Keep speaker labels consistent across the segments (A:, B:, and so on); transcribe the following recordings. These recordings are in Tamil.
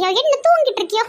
A: இருக்கியோ? என்ன தூங்கிட்டு இருக்கியோ?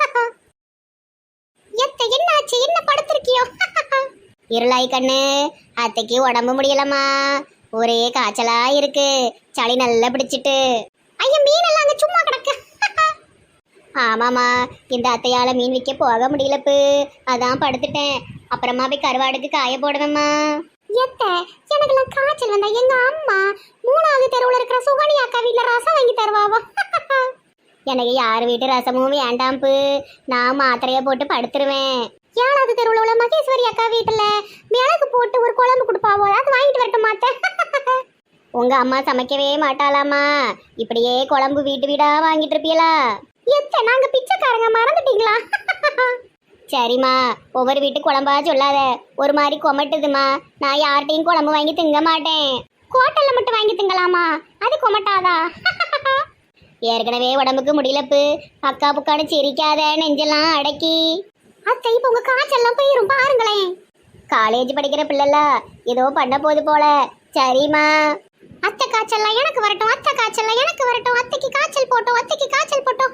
A: என்ன ஆச்சு? என்ன படுத்திருக்கியோ? இருளாய் கண்ணு, அத்தைக்கு உடம்பு முடியலம்மா. ஒரே காய்ச்சலா இருக்கு. சளி நல்லா பிடிச்சிட்டு. ஐயா, மீனெல்லாம் அங்க சும்மா கிடக்கு. ஆமாம்மா, இந்த அத்தையால மீன் விற்க போக முடியலப்பு. அதான் படுத்துட்டேன். அப்புறமா போய் கருவாடுக்கு காய போடுவேம்மா. எனக்குலாம் காய்ச்சல் வந்தா எங்க அம்மா 3வது தெருவுல இருக்கிற சுகனி அக்கா வீட்டுல ரசம் வாங்கி தருவாவோ. எனக்கு யார் வீட்டு ரசமும் வேண்டாம்ப்பு. நான் மாத்திரைய போட்டு படுத்துருவேன். 7வது தெருவுல உள்ள மகேஸ்வரி அக்கா வீட்டுல மிளகு போட்டு ஒரு குழம்பு கொடுப்பாவோ, அது வாங்கிட்டு வரட்டும் மாத்தேன். உங்க அம்மா சமைக்கவே மாட்டாளாமா. இப்படியே குழம்பு வீட்டு வீடா வாங்கிட்டு இருப்பீங்களா? நாங்க பிச்சைக்காரங்க, மறந்துட்டீங்களா? சரிம்மா, ஒவ்வொரு வீட்டு குழம்பா சொல்லாத. ஒரு மாதிரி கொமட்டுதுமா. நான் யார்கிட்டையும் குழம்பு வாங்கி திங்க மாட்டேன். ஹோட்டல்ல மட்டும் வாங்கி திங்கலாமா? அது கொமட்டாதா? ஏற்கனவே உடம்புக்கு முடியலப்பு. அக்கா புக்கான்னு சிரிக்காத, நெஞ்செல்லாம் அடக்கி. அத்தை, இப்ப உங்க காய்ச்சல்லாம் போயிரும் பாருங்களேன். காலேஜ் படிக்கிற பிள்ளைல ஏதோ பண்ண போது போல. சரிம்மா. அத்தை காய்ச்சல்லாம் எனக்கு வரட்டும், அத்தை காய்ச்சல்லாம் எனக்கு வரட்டும், அத்தைக்கு காய்ச்சல் போட்டோம், அத்தைக்கு காய்ச்சல் போட்டோம்.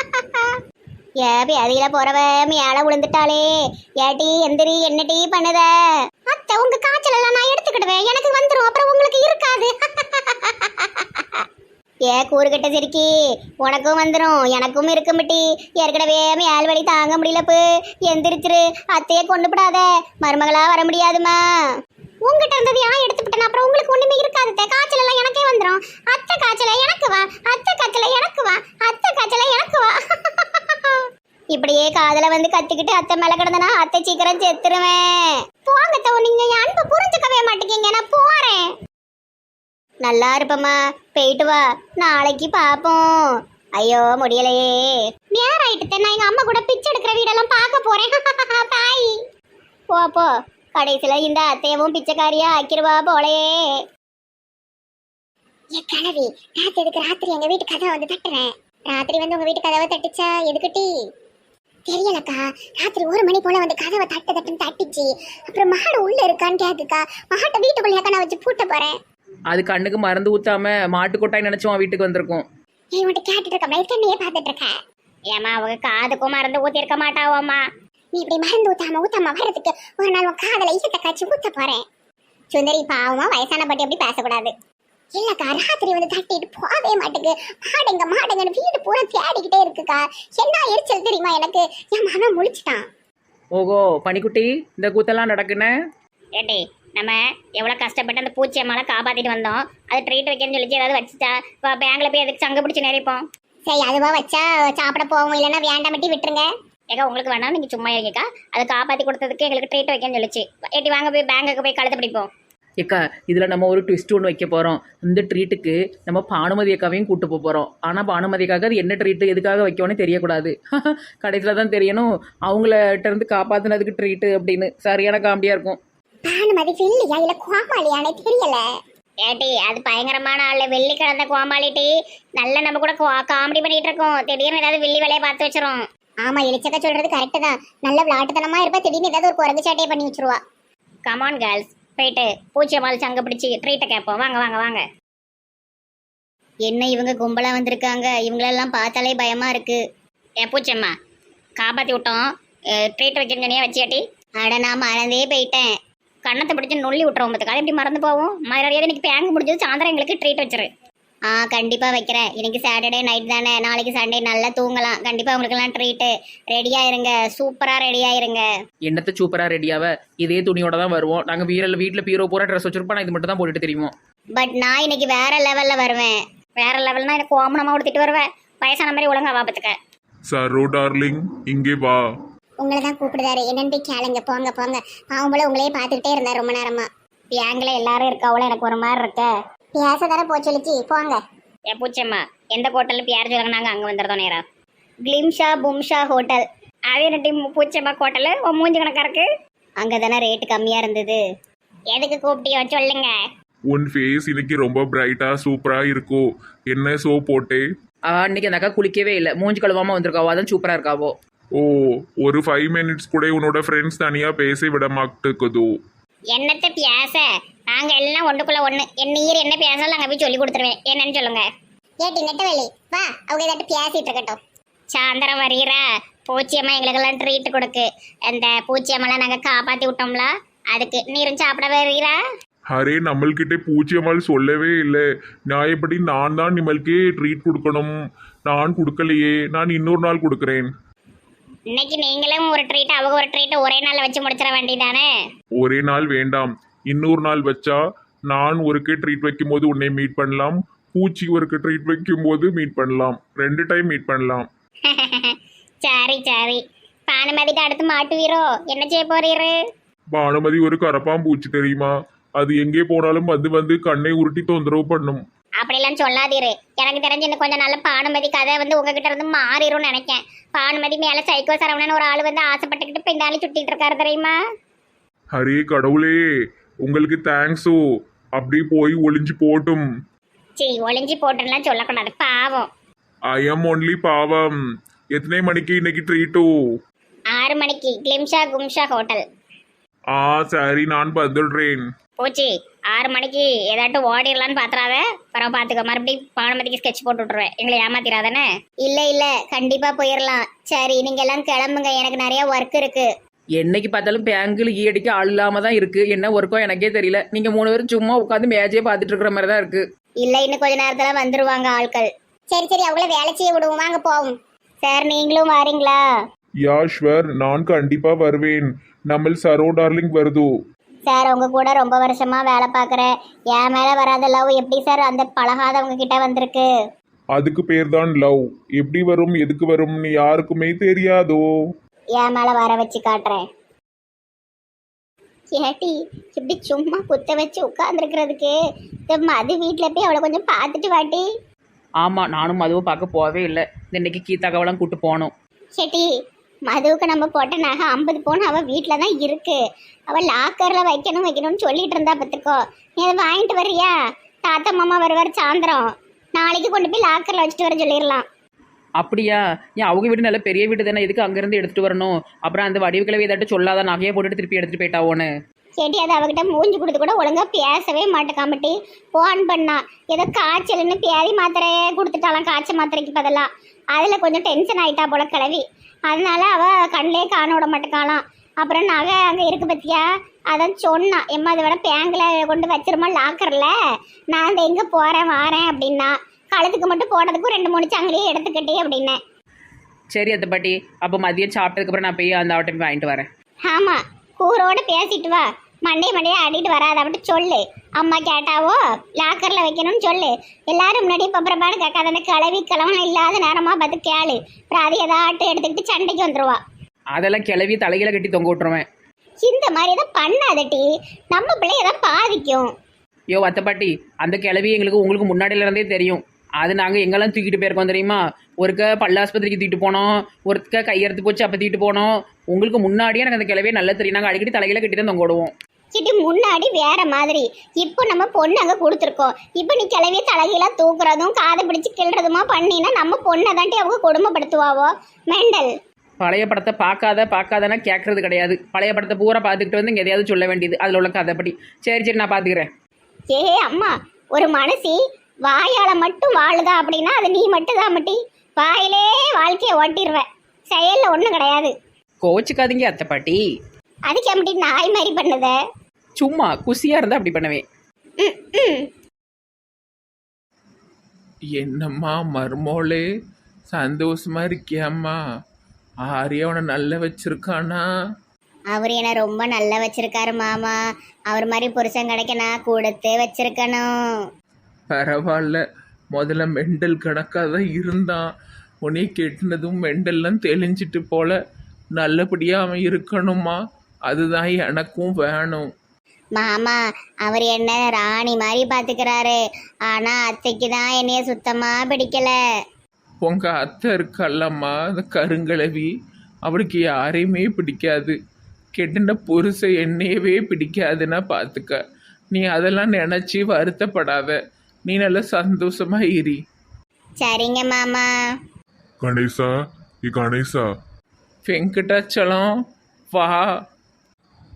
A: அதில போறவ மேல விழுந்துட்டாளே. ஏட்டி எந்திரி, என்னடி பண்ணுத? அத்தை, உங்க காய்ச்சல் எல்லாம் நான் எடுத்துக்கிடுவேன். எனக்கு வந்துரும், அப்புறம் உங்களுக்கு இருக்காது. கூறுகட்ட சிரிக்கி, உனக்கும் வந்துடும் எனக்கும் இருக்குமிட்டி. ஏற்கனவே மேல் வலி தாங்க முடியலப்பு. எந்திரிச்சிரு, அத்தையே கொண்டு விடாத. மருமகளா வர முடியாதுமா. உங்ககிட்ட இருந்தது ஏன் எடுத்துக்கிட்டேன்? அப்புறம் உங்களுக்கு ஒண்ணுமே இருக்காது. காய்ச்சல் எல்லாம் எனக்கே வந்துடும். அத்தை காய்ச்சல எனக்கு வா, அத்தை காய்ச்சல எனக்கு வா, அத்தை காய்ச்சல எனக்கு வா. இப்படியே காதல வந்து கத்திக்கிட்டு அத்தை மேல கிடந்தனா அத்தை சீக்கிரம் செத்துருவேன். போங்க தோ, நீங்க என் அன்பை புரிஞ்சுக்கவே மாட்டேங்க. நான் போறேன். நல்லா இருப்பம்மா, போயிட்டு வா. நாளைக்கு பாப்போம். ஐயோ, முடியலையே. நேரம் ஆயிட்டு. நான் எங்க அம்மா கூட பிச்சை எடுக்கிற வீடெல்லாம் பார்க்க போறேன். பாய். போ போ. கடைசியில இந்த அத்தையவும் பிச்சைக்காரியா ஆக்கிருவா போலையே. என் கனவி, ராத்திரி எங்க வீட்டு கதவை வந்து தட்டுறேன். ராத்திரி வந்து உங்க வீட்டு கதவை தட்டுச்சா எதுக்கிட்டி? தெரியலக்கா. ராத்திரி 1 மணி போல வந்து கதவை தட்டுன்னு தட்டிச்சு. அப்புறம் மாடு உள்ள இருக்கான்னு கேக்குக்கா. மாட்டை வீட்டுக்குள்ளேயாக்கா நான் வச்சு பூட்ட போறேன்.
B: அது கண்ணுக்கு மருந்து ஊத்தாம மாட்டு கொட்டாய் நினைச்சோம் வீட்டுக்கு வந்திருக்கோம்.
A: உன்ட்ட கேட்டுட்டு இருக்க, கண்ணையே பார்த்துட்டு இருக்க. ஏமா, அவங்க காதுக்கும் மருந்து ஊத்தி இருக்க மாட்டாவோம்மா. நீ இப்படி மருந்து ஊத்தாம வர்றதுக்கு ஒரு நாள் உன் காதல ஈசத்தை காய்ச்சி ஊத்த போறேன். சுந்தரி, பாவமா வயசான பாட்டி அப்படி பேசக்கூடாது. இல்லக்கா, ராத்திரி வந்து தட்டிட்டு போவே மாட்டேங்க. மாடுங்கன்னு வீடு பூரா தேடிக்கிட்டே இருக்குக்கா. என்ன எரிச்சல் தெரியுமா எனக்கு? என் மகன் முழிச்சிட்டான்.
B: ஓகோ பனிக்குட்டி, இந்த கூத்தெல்லாம் நடக்குன்னு.
A: ஏட்டி, நம்ம எவ்வளோ கஷ்டப்பட்டு அந்த பூச்சியம்மால காப்பாற்றிட்டு வந்தோம். அது ட்ரீட் வைக்கணும்னு சொல்லி ஏதாவது வச்சுட்டா பேங்கில் போய் எதுக்கு சங்க பிடிச்சி நிறைப்போம். சரி, அதுவா வச்சா சாப்பிட போவோம், இல்லைன்னா வேண்டாமட்டி விட்டுருங்க. ஏக்கா, உங்களுக்கு வேணாம், நீங்கள் சும்மா இருக்கீக்கா. அதை காப்பாற்றி கொடுத்ததுக்கு எங்களுக்கு ட்ரீட் வைக்கணும்னு சொல்லிச்சு. ஏட்டி வாங்க, போய் பேங்குக்கு போய் கழுத்து பிடிப்போம்.
B: ஏக்கா, இதில் நம்ம ஒரு ட்விஸ்ட் ஒன்று வைக்க போகிறோம். இந்த ட்ரீட்டுக்கு நம்ம பானுமதி அக்காவையும் கூட்டு போகிறோம். ஆனால் பானுமதிக்காக அது என்ன ட்ரீட்டு எதுக்காக வைக்கணும்னு தெரியக்கூடாது. கடைசியில் தான் தெரியணும் அவங்கள்ட்ட இருந்து காப்பாற்றினதுக்கு ட்ரீட்டு அப்படின்னு. சரியான காமெடியாக இருக்கும்.
A: பானுமதி வெள்ளியா இல்லை கோமாளியானே தெரியல. ஏட்டி, அது பயங்கரமான ஆள். வெள்ளி கலந்த கோமாளிட்டி. நல்ல நம்ம கூட காமெடி பண்ணிட்டு இருக்கோம். திடீர்னு ஏதாவது வெள்ளி வேலையை பார்த்து வச்சிரும். ஆமா, எலிச்சக்கா சொல்றது கரெக்டு தான். நல்ல விளாட்டுத்தனமா இருப்பா. திடீர்னு ஏதாவது ஒரு குரங்கு சாட்டையை பண்ணி வச்சிருவா. கமான் கேர்ள்ஸ், போயிட்டு பூச்சியம்மாள் சங்க பிடிச்சி ட்ரீட்டை கேட்போம். வாங்க வாங்க வாங்க. என்ன இவங்க கும்பலா வந்திருக்காங்க? இவங்களெல்லாம் பார்த்தாலே பயமா இருக்கு. பூச்சியம்மா, காப்பாற்றி விட்டோம். ட்ரீட் வைக்கணும்னே வச்சியாட்டி. அட, நான் மறந்தே போயிட்டேன். கண்ணத்தை பிடிச்சி நொல்லி விட்டுருவோம். பார்த்துக்காது எப்படி மறந்து போவோம். மரியாதை இன்னைக்கு பேங்க் முடிஞ்சது. சாயந்தரம் எங்களுக்கு ட்ரீட் வச்சிரு. கண்டிப்பாக வைக்கிறேன். இன்னைக்கு சாட்டர்டே நைட் தானே, நாளைக்கு சண்டே நல்லா தூங்கலாம். கண்டிப்பாக உங்களுக்கெல்லாம் ட்ரீட்டு. ரெடியாக இருங்க, சூப்பராக ரெடியாக இருங்க.
B: என்னத்தை சூப்பராக ரெடியாவ? இதே துணியோட தான் வருவோம். நாங்கள் வீட்டில் பீரோ பூரா ட்ரெஸ் வச்சிருப்போம். நான் இது மட்டும் தான் போட்டுட்டு தெரியுமோ.
A: பட் நான் இன்னைக்கு வேற லெவலில் வருவேன். வேற லெவல்னா எனக்கு கோமனமாக கொடுத்துட்டு வருவேன். வயசான மாதிரி ஒழுங்கா வாபத்துக்க.
C: சரோ டார்லிங், இங்கே வா.
A: உங்களை தான் கூப்பிடுதாரு. என்னன்னு போய் கேளுங்க. போங்க போங்க. பாவம் போல உங்களையே பார்த்துக்கிட்டே இருந்தார் ரொம்ப நேரமா. பேங்கில் எல்லாரும் இருக்காவளோ எனக்கு ஒரு மாதிரி இருக்க. பேச தானே போச்சொலிச்சு. போங்க. பூச்சம்மா, எந்த ஹோட்டலில் பேர் சொல்லுங்க, நாங்கள் அங்கே வந்துடுறோம் நேரா. கிளிம்ஷா பும்ஷா ஹோட்டல். அதே ரெட்டி பூச்சம்மா ஹோட்டலு. மூஞ்சி கணக்கா இருக்கு. அங்கே தானே ரேட்டு கம்மியாக இருந்தது. எதுக்கு கூப்பிட்டியோ சொல்லுங்க.
C: உன் ஃபேஸ் இன்னைக்கு ரொம்ப பிரைட்டா சூப்பரா இருக்கும். என்ன சோ போட்டே?
B: இன்னைக்கு அந்த அக்கா குளிக்கவே இல்லை. மூஞ்சி கழுவாமல் வந்திருக்காவோ, அதான் சூப்பராக இருக்காவோ.
C: ஓ, ஒரு 5 மினிட்ஸ் கூட உன்னோட ஃப்ரெண்ட்ஸ் தனியா பேச விட மாட்டேக்குதோ?
A: என்னத்தை பேச? நாங்க எல்லாம் ஒண்ணுக்குள்ள ஒண்ணு. நீர் என்ன பேசலாம் நாங்க போய் சொல்லி கொடுத்துருவேன். என்னன்னு சொல்லுங்க. ஏட்டி நெட்டவேலி, வா. அவங்க ஏதாட்டு பேசிட்டு இருக்கட்டும். சாயந்தரம் வரீரா? பூச்சியம்மா எங்களுக்கெல்லாம் ட்ரீட் கொடுக்கு. அந்த பூச்சியம்மெல்லாம் நாங்கள் காப்பாற்றி விட்டோம்ல, அதுக்கு நீரும் சாப்பிட வரீரா?
C: அரே நம்மள்கிட்ட பூச்சியம்மாள் சொல்லவே இல்லை. நியாயப்படி நான் தான் நிம்மளுக்கே ட்ரீட் கொடுக்கணும். நான் கொடுக்கலையே, நான் இன்னொரு நாள் கொடுக்குறேன்.
A: இன்னைக்கு நீங்களும் ஒரு ட்ரீட் அவங்க ஒரு ட்ரீட் ஒரே நாளில் வச்சு முடிச்சிட வேண்டியதானே?
C: ஒரே நாள் வேண்டாம், இன்னொரு நாள் வச்சா நான் ஒருக்கு ட்ரீட் வைக்கும்போது உன்னை மீட் பண்ணலாம், பூச்சி ஒருக்கு ட்ரீட் வைக்கும்போது மீட் பண்ணலாம், 2 டைம் மீட் பண்ணலாம்.
A: சரி சரி. பானுமதிக்கு அடுத்து மாட்டுவீரோ? என்ன செய்ய போறீரு?
C: பானுமதி ஒரு கரப்பாம்பூச்சி தெரியுமா? அது எங்கே போனாலும் வந்து வந்து கண்ணை உருட்டி தொந்தரவு பண்ணும்.
A: அப்படிலாம் சொல்லாதீரு. எனக்கு தெரிஞ்சு இன்னும் கொஞ்சம் நல்ல பானுமதி கதை வந்து உங்ககிட்ட இருந்து மாறிடும்னு நினைக்கேன். பானுமதி மேல சைக்கோ சரவணன் ஒரு ஆள் வந்து ஆசைப்பட்டுக்கிட்டு பின்னாடி சுத்திட்டு இருக்காரு தெரியுமா?
C: ஹரே கடவுளே, உங்களுக்கு தேங்க்ஸோ. அப்படி போய் ஒளிஞ்சு போட்டும்.
A: சரி, ஒளிஞ்சு போட்டுலாம் சொல்லக்கூடாது, பாவம்.
C: ஐ எம் ஒன்லி பாவம். எத்தனை மணிக்கு இன்னைக்கு ட்ரீட்டோ?
A: 6 மணிக்கு கிளிம்ஷா கும்ஷா ஹோட்டல்.
C: சரி, நான் வந்துடுறேன்.
A: போச்சு. 6 மணிக்கு ஏதாட்டும் ஓடிடலான்னு பாத்துறாத. பரவ பாத்துக்க, மறுபடியும் பானுமதிக்கு ஸ்கெட்ச் போட்டு விட்டுருவேன். எங்களை ஏமாத்திராதானே? இல்ல இல்ல, கண்டிப்பா போயிடலாம். சரி, நீங்க எல்லாம் கிளம்புங்க, எனக்கு நிறைய ஒர்க் இருக்கு.
B: என்னைக்கு பார்த்தாலும் பேங்கில் ஈயடிக்க ஆள் இல்லாமல் தான் இருக்குது. என்ன ஒர்க்கோ எனக்கே தெரியல. நீங்கள் 3 பேரும் சும்மா உட்காந்து மேஜே பார்த்துட்டு இருக்கிற மாதிரி தான் இருக்குது.
A: இல்ல, இன்னும் கொஞ்ச நேரத்துல வந்துருவாங்க ஆட்கள். சரி சரி, அவங்கள வேலை செய்ய விடுவோம், வாங்க போவோம். சார், நீங்களும் வாரீங்களா?
C: யாஷ்வர், நான் கண்டிப்பா வருவேன். நம்ம சரோ டார்லிங் வருது.
A: சார், உங்க கூட ரொம்ப வருஷமா வேலை பார்க்குறேன். என் மேல வராத லவ் எப்படி சார் அந்த பழகாதவங்க கிட்ட வந்திருக்கு?
C: அதுக்கு பேர் தான் லவ். எப்படி வரும், எதுக்கு வரும்னு யாருக்குமே தெரியாதோ.
A: என் மேல வர வச்சு காட்டுறேன். ஏட்டி, இப்படி சும்மா குத்த வச்சு உட்காந்துருக்கிறதுக்கு இந்த மது வீட்டில் போய் அவளை கொஞ்சம் பார்த்துட்டு வாட்டி.
B: ஆமாம், நானும் மதுவை பார்க்க போகவே இல்லை. இன்னைக்கு கீதாக்காவெல்லாம் கூப்பிட்டு போகணும்.
A: சேட்டி, மதுவுக்கு நம்ம போட்ட நகை 50 பவுன் அவள் வீட்டில் தான் இருக்கு. அவள் லாக்கரில் வைக்கணும்னு சொல்லிட்டு இருந்தா பார்த்துக்கோ. நீ அதை வாங்கிட்டு வர்றியா? தாத்தா மாமா வருவார் சாயந்தரம். நாளைக்கு கொண்டு போய் லாக்கரில் வச்சுட்டு வர சொல்லிடலாம்.
B: அப்படியா? ஏன் அவங்க வீடு நல்ல பெரிய வீடு தானே, எதுக்கு அங்கேருந்து எடுத்துகிட்டு வரணும்? அப்புறம் அந்த வடிவுக்கிழவை ஏதாட்டும் சொல்லாத, நகையை போட்டுட்டு திருப்பி எடுத்துகிட்டு போயிட்டாவோன்னு.
A: சேட்டி, அது அவகிட்ட மூஞ்சி கொடுத்து கூட ஒழுங்கா பேசவே மாட்டேக்காமட்டி ஃபோன் பண்ணா. ஏதோ காய்ச்சல்னு பேதி மாத்திரை கொடுத்துட்டாலாம், காய்ச்சல் மாத்திரைக்கு பதிலாக. அதில் கொஞ்சம் டென்ஷன் ஆகிட்டா போல கிளவி. அதனால அவள் கண்ணிலே காண விட மாட்டேக்காலாம். அப்புறம் நகை அங்கே இருக்கு பத்தியா, அதான் சொன்னான். எம்மா அதை விட பேங்கில் கொண்டு வச்சிருமா லாக்கரில், நான் அந்த எங்கே போகிறேன் வாரேன் அப்படின்னா. கழுத்துக்கு மட்டும் போனதுக்கும் 2-3 சங்கிலியே எடுத்துக்கிட்டே அப்படின்னேன்.
B: சரி அத்தை பாட்டி, அப்போ மதியம் சாப்பிட்டதுக்கப்புறம் நான் போய் அந்த அவட்டை போய் வாங்கிட்டு வரேன்.
A: ஆமாம், கூரோடு பேசிட்டு வா. மண்டையை ஆடிட்டு வராத அப்படி சொல்லு. அம்மா கேட்டாவோ லாக்கரில் வைக்கணும்னு சொல்லு. எல்லாரும் முன்னாடி பப்பரப்பாடு கேட்காத. அந்த கிளவன் இல்லாத நேரமாக பார்த்து கேளு. அப்புறம் அது ஏதாட்டும் எடுத்துக்கிட்டு சண்டைக்கு வந்துடுவா.
B: அதெல்லாம் கிளவி தலையில கட்டி தொங்க விட்டுருவேன்.
A: இந்த மாதிரி எதாவது பண்ணாதட்டி, நம்ம பிள்ளை எதாவது பாதிக்கும்.
B: யோ அத்தை பாட்டி, அந்த கிளவி உங்களுக்கு முன்னாடியில இருந்தே தெரியும். அது நாங்கள் எங்கெல்லாம் தூக்கிட்டு போயிருக்கோம் தெரியுமா? ஒருக்க பல்லாஸ்பத்திரிக்கு தூக்கிட்டு போனோம், ஒருக்க கையெடுத்து போச்சு அப்போ தூக்கிட்டு போனோம். உங்களுக்கு முன்னாடியே எனக்கு அந்த கிளவியே நல்லா தெரியும். நாங்கள் அடிக்கடி தலையில கட்டி தான் தொங்க விடுவோம்.
A: சிட்டி, முன்னாடி வேற மாதிரி. இப்போ நம்ம பொண்ணு அங்கே கொடுத்துருக்கோம். இப்போ நீ கிளவிய தலைகீழ தூக்குறதும் காதை பிடிச்சி கிள்றதுமா பண்ணினா நம்ம பொண்ணை தாண்டி அவங்க கொடுமைப்படுத்துவாவோ. மெண்டல்.
B: பழைய படத்தை பார்க்காதன்னா கேட்கறது கிடையாது. பழைய படத்தை பூரா பார்த்துக்கிட்டு வந்து இங்கே எதையாவது சொல்ல வேண்டியது, அதில் உள்ள கதைப்படி. சரி நான் பார்த்துக்கிறேன்.
A: ஏ அம்மா, ஒரு மனசி வாயால மட்டும் வாழுதா அப்படின்னா அது நீ மட்டும் தான் மட்டி. வாயிலே வாழ்க்கையை ஓட்டிடுவேன், செயல்ல ஒன்றும் கிடையாது.
B: கோச்சுக்காதீங்க அத்தை பாட்டி.
A: அதுக்கு எப்படி நாய் மாதிரி பண்ணுத?
B: சும்மா குசியாக இருந்தால் அப்படி பண்ணுவேன்.
D: என்னம்மா மருமோளே, சந்தோஷமா இருக்கியாம்மா? ஆரியவனை நல்ல வச்சிருக்கானா?
A: அவர் என்ன ரொம்ப நல்லா வச்சிருக்காரு மாமா. அவர் மாதிரி புருஷன் கிடைக்க நான் கொடுத்து வச்சிருக்கணும்.
D: பரவாயில்ல, முதல்ல மெண்டல் கணக்காக தான் இருந்தான். உன்னை கெட்டினதும் மெண்டல்லாம் தெளிஞ்சிட்டு போல. நல்லபடியாக அவன் இருக்கணுமா, அதுதான் எனக்கும் வேணும்.
A: மாமா, அவர் என்ன ராணி மாதிரி பாத்துக்கிறாரு. ஆனா அத்தைக்கு தான் என்னைய சுத்தமா பிடிக்கல.
D: உங்க அத்தை இருக்கல்லம்மா, அந்த கருங்கலவி, அவளுக்கு யாரையுமே பிடிக்காது. கெட்டின புருஷ என்னையவே பிடிக்காதுன்னா பார்த்துக்க. நீ அதெல்லாம் நினச்சி வருத்தப்படாத. நீ நல்லா சந்தோஷமா இரு.
A: சரிங்க மாமா.
C: கணேசா, கணேசா,
D: வெங்கடாச்சலம் வா.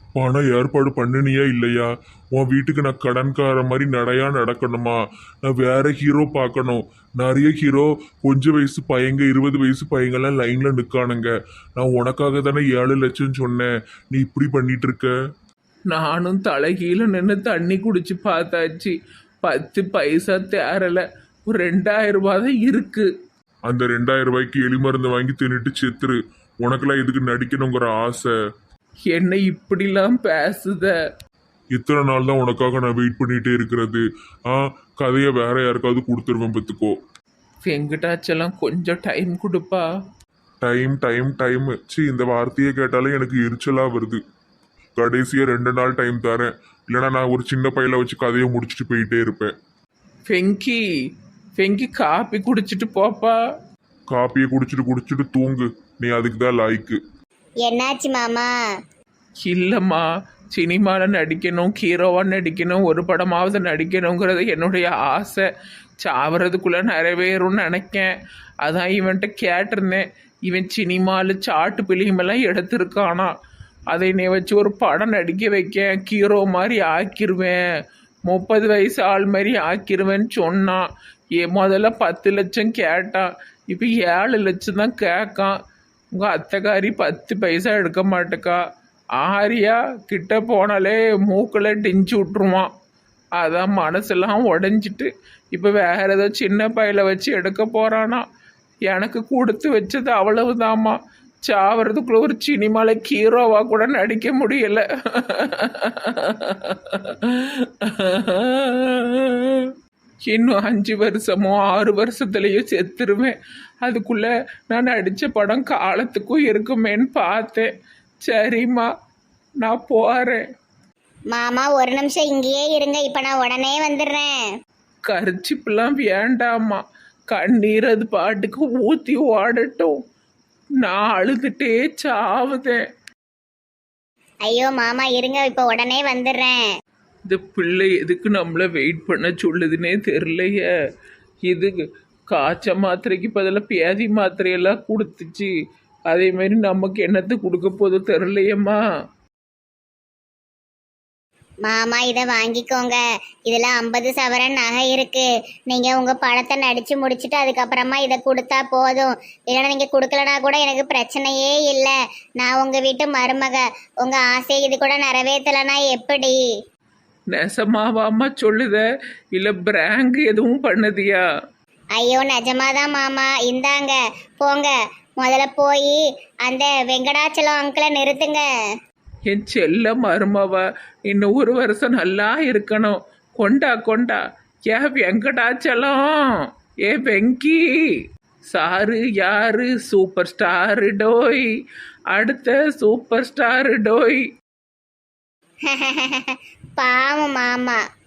C: பணம் ஏற்பாடு பண்ணினியா இல்லையா? உன் வீட்டுக்கு நான் கடன்கார மாதிரி நடையா நடக்கணுமா? நான் வேற ஹீரோ பார்க்கணும். நிறைய ஹீரோ கொஞ்சம் வயசு பையங்க 20 வயசு பையங்கெல்லாம் லைன்ல நிற்கானுங்க. நான் உனக்காக தானே 7 லட்சம் சொன்னேன். நீ இப்படி பண்ணிட்டு இருக்க.
D: நானும் தலைகீழ நின்று தண்ணி குடிச்சு பார்த்தாச்சு. 10 பைசா தேரல. ஒரு 2000 ரூபாய் தான் இருக்கு.
C: அந்த 2000 ரூபாய்க்கு எலி மருந்து வாங்கி தின்னுட்டு செத்துரு. உனக்கெல்லாம் இதுக்கு நடிக்கணுங்கிற ஆசை.
D: என்ன இப்படிலாம் பேசுத?
C: இத்தனை நாள் தான் உனக்காக நான் வெயிட் பண்ணிட்டே இருக்கிறது. கதையை வேற யாருக்காவது கொடுத்துருவேன் பத்துக்கோ.
D: வெங்கடாச்சலம் கொஞ்சம் டைம் கொடுப்பா.
C: டைம் டைம் டைம் இந்த வார்த்தையை கேட்டாலே எனக்கு எரிச்சலா வருது. கடைசியா 2 நாள் டைம் தரேன். இல்லைன்னா நான் ஒரு சின்ன பையில வச்சு கதையை முடிச்சுட்டு போயிட்டே இருப்பேன்.
D: வெங்கி வெங்கி காப்பி குடிச்சிட்டு போப்பா.
C: காப்பியை குடிச்சிட்டு தூங்கு. நீ அதுக்கு தான் லாய்க்கு.
A: என்னாச்சு மாமா?
D: இல்லைம்மா, சினிமாவில் நடிக்கணும், ஹீரோவாக நடிக்கணும், ஒரு படமாவது நடிக்கணுங்கிறது என்னுடைய ஆசை. சாவறதுக்குள்ளே நிறைவேறும்னு நினைக்கேன். அதான் இவன்கிட்ட கேட்டிருந்தேன். இவன் சினிமாவில் சாட்டு பிலிமெல்லாம் எடுத்திருக்கானா, அதை நீ வச்சு ஒரு படம் நடிக்க வைக்க, ஹீரோ மாதிரி ஆக்கிடுவேன், 30 வயசு ஆள் மாதிரி ஆக்கிடுவேன்னு சொன்னான். முதல்ல 10 லட்சம் கேட்டான், இப்போ 7 லட்சம் தான் கேட்கான். உங்கள் அத்தைக்காரி 10 பைசா எடுக்க மாட்டேக்கா. ஆரியா கிட்ட போனாலே மூக்கில் டிஞ்சு விட்ருவான். அதான் மனசெல்லாம் உடஞ்சிட்டு இப்போ வேற ஏதோ சின்ன பையில வச்சு எடுக்க போகிறானா. எனக்கு கொடுத்து வச்சது அவ்வளவுதாம்மா. சாவறதுக்குள்ள ஒரு சினிமாவில் ஹீரோவாக கூட நடிக்க முடியலை. இன்னும் 5 வருஷமோ 6 வருஷத்துலேயும் செத்துருவேன். அதுக்குள்ளே நான் நடித்த படம் காலத்துக்கும் இருக்குமேன்னு பார்த்தேன். சரிம்மா, நான் போகிறேன்.
A: மாமா ஒரு நிமிஷம் இங்கேயே இருங்க, இப்போ நான் உடனே வந்துடுறேன்.
D: கரிச்சிப்பெல்லாம் வேண்டாம்மா. கண்ணீர் அது பாட்டுக்கு ஊற்றி ஓடட்டும். நான் அழுதுகிட்டே சாவுதேன்.
A: ஐயோ மாமா இருங்க, இப்போ உடனே வந்துடுறேன்.
D: இந்த பிள்ளை எதுக்கு நம்மளை வெயிட் பண்ண சொல்லுதுன்னே தெரிலையே. இது காய்ச்ச மாத்திரைக்கு பதிலாக பேதி மாத்திரையெல்லாம் கொடுத்துச்சு. அதே மாதிரி நமக்கு என்னத்தை கொடுக்க போதோ தெரிலையம்மா.
A: மாமா இதை வாங்கிக்கோங்க. இதில் 50 சவரன் நகை இருக்கு. நீங்கள் உங்கள் படத்தை நடித்து முடிச்சுட்டு அதுக்கப்புறமா இதை கொடுத்தா போதும். இல்லைன்னா நீங்கள் கொடுக்கலனா கூட எனக்கு பிரச்சனையே இல்லை. நான் உங்கள் வீட்டு மருமக. உங்கள் ஆசையை இது கூட நிறைவேற்றலைன்னா எப்படி?
D: நெசமாவாம்மா சொல்லுத, இல்லை பிராங்க் எதுவும் பண்ணதியா?
A: ஐயோ நிஜமாதான் மாமா. இந்தாங்க போங்க. முதல்ல போய் அந்த வெங்கடாச்சலம் அங்கிளை நிறுத்துங்க.
D: என் செல்ல மருமவ இன்னும் 1 வருஷம் நல்லா இருக்கணும். கொண்டா கொண்டா. ஏ வெங்கடாச்சலம், ஏ வெங்கி சாரு யாரு? சூப்பர் ஸ்டாரு டோய், அடுத்த சூப்பர் ஸ்டாரு டோய்.
A: பாவம் மாமா.